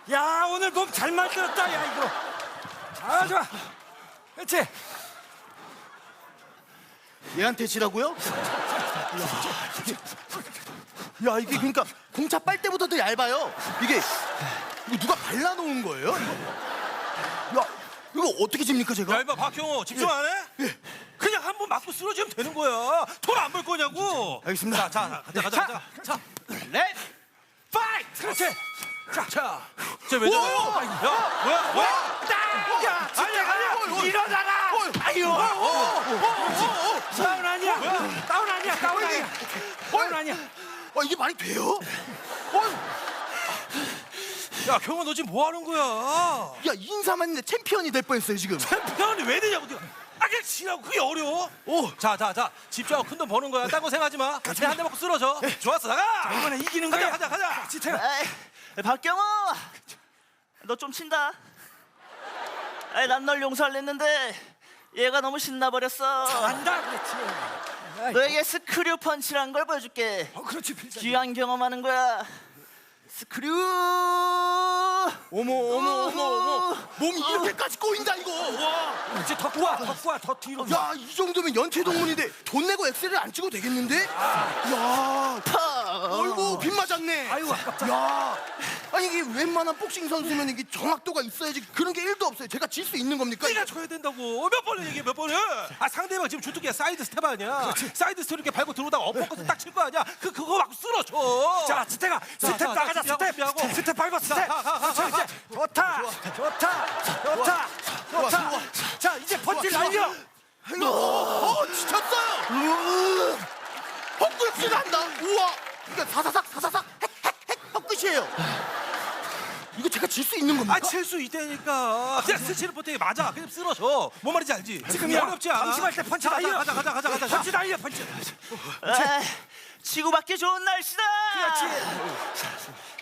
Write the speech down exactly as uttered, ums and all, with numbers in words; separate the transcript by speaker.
Speaker 1: 야, 오늘 몸 잘 만들었다, 야, 이거. 아, 좋아. 그렇지.
Speaker 2: 얘한테 지라고요? 야, 이게 그러니까 공차 빨대보다 더 얇아요. 이게 이거 누가 발라놓은 거예요? 이거? 야, 이거 어떻게 집니까 제가?
Speaker 3: 야, 이봐 박형호 집중 안 해?
Speaker 2: 예.
Speaker 3: 그냥 한 번 맞고 쓰러지면 되는 거야. 돈 안 벌 거냐고.
Speaker 2: 알겠습니다.
Speaker 3: 자, 자, 가자, 가자, 가자. 자,
Speaker 2: 렛 파이트!
Speaker 3: 그렇지. 자, 자. 쟤왜 저래? 야, 뭐야, 뭐야?
Speaker 1: 야, 아니야, 아니야. 일어나라. 아유. 다운 아니야. 다운 아니야. 다운 아니야. 다운 아니야.
Speaker 2: 아, 이게 말이 돼요? 어,
Speaker 3: 야, 경호 너 지금 뭐 하는 거야?
Speaker 2: 야, 인사만 했는데 챔피언이 될 뻔했어요 지금.
Speaker 3: 챔피언이 왜 되냐고 네가. 아, 그냥 치라고. 그게 어려워. 오, 자, 자, 자. 집중하고 큰 돈 버는 거야. 딴 거 생각하지 마. 그냥 한 대 맞고 쓰러져. 좋았어, 나가.
Speaker 1: 이번에 이기는
Speaker 3: 가자,
Speaker 1: 거야.
Speaker 3: 가자, 가자.
Speaker 1: 지태야.
Speaker 4: 에이, 박경호, 너 좀 친다. 난 널 용서 안 했는데 얘가 너무 신나버렸어.
Speaker 1: 안다, 그렇지. 아이,
Speaker 4: 너에게 스크류 펀치란 걸 보여줄게.
Speaker 1: 어, 그렇지, 필살.
Speaker 4: 귀한 경험하는 거야. 스크류.
Speaker 2: 어머 어머 어머 어머, 몸이 이렇게까지 꼬인다 이거. 와.
Speaker 1: 이제 더 구워, 더 구워, 더 뒤로.
Speaker 2: 야, 이 정도면 연체 동문인데 돈 내고 엑셀을 안 찍어도 되겠는데? 야, 어이구 빗 맞았네.
Speaker 1: 아이고, 아깝다.
Speaker 2: 야, 아니 이게 웬만한 복싱 선수면 이게 정확도가 있어야지. 그런 게 일도 없어요. 제가 질 수 있는 겁니까?
Speaker 3: 네가 줘야 된다고. 몇 번을 얘기해, 몇 번을. 아, 상대방 지금 주특기야 사이드 스텝 아니야. 사이드 스텝 이렇게 밟고 들어오다가 엎어컷 딱 칠 거 아니야. 그 그거 막 쓰러져.
Speaker 1: 자, 지태가 스텝
Speaker 3: 자,
Speaker 1: 나가자,
Speaker 3: 자,
Speaker 1: 스텝.
Speaker 3: 준비하고.
Speaker 1: 스텝, 스텝 밟아, 스텝.
Speaker 3: 자, 가, 가, 가,
Speaker 1: 그렇지,
Speaker 3: 가.
Speaker 1: 이제. 좋다, 좋다, 좋다, 좋다. 자, 이제 펀치
Speaker 2: 좋아,
Speaker 1: 날려.
Speaker 2: 어, 어, 지쳤어요. 헛글씨 난다. 우와, 이게 사사삭 사사삭 핵핵핵 헛글씨예요. 이거 제가 질 수 있는 겁니까?
Speaker 3: 아, 칠 수 있다니까. 그냥 스치는 포트에 맞아. 그냥 쓰러져. 뭔 말인지 알지?
Speaker 1: 지금이야.
Speaker 3: 어렵지 않아.
Speaker 1: 방심할 때 펀치
Speaker 3: 가자,
Speaker 1: 날려.
Speaker 3: 가자, 가자, 가자, 가자. 자.
Speaker 1: 펀치 날려, 펀치.
Speaker 4: 에이, 치고받기 좋은 날씨다.
Speaker 1: 그렇지.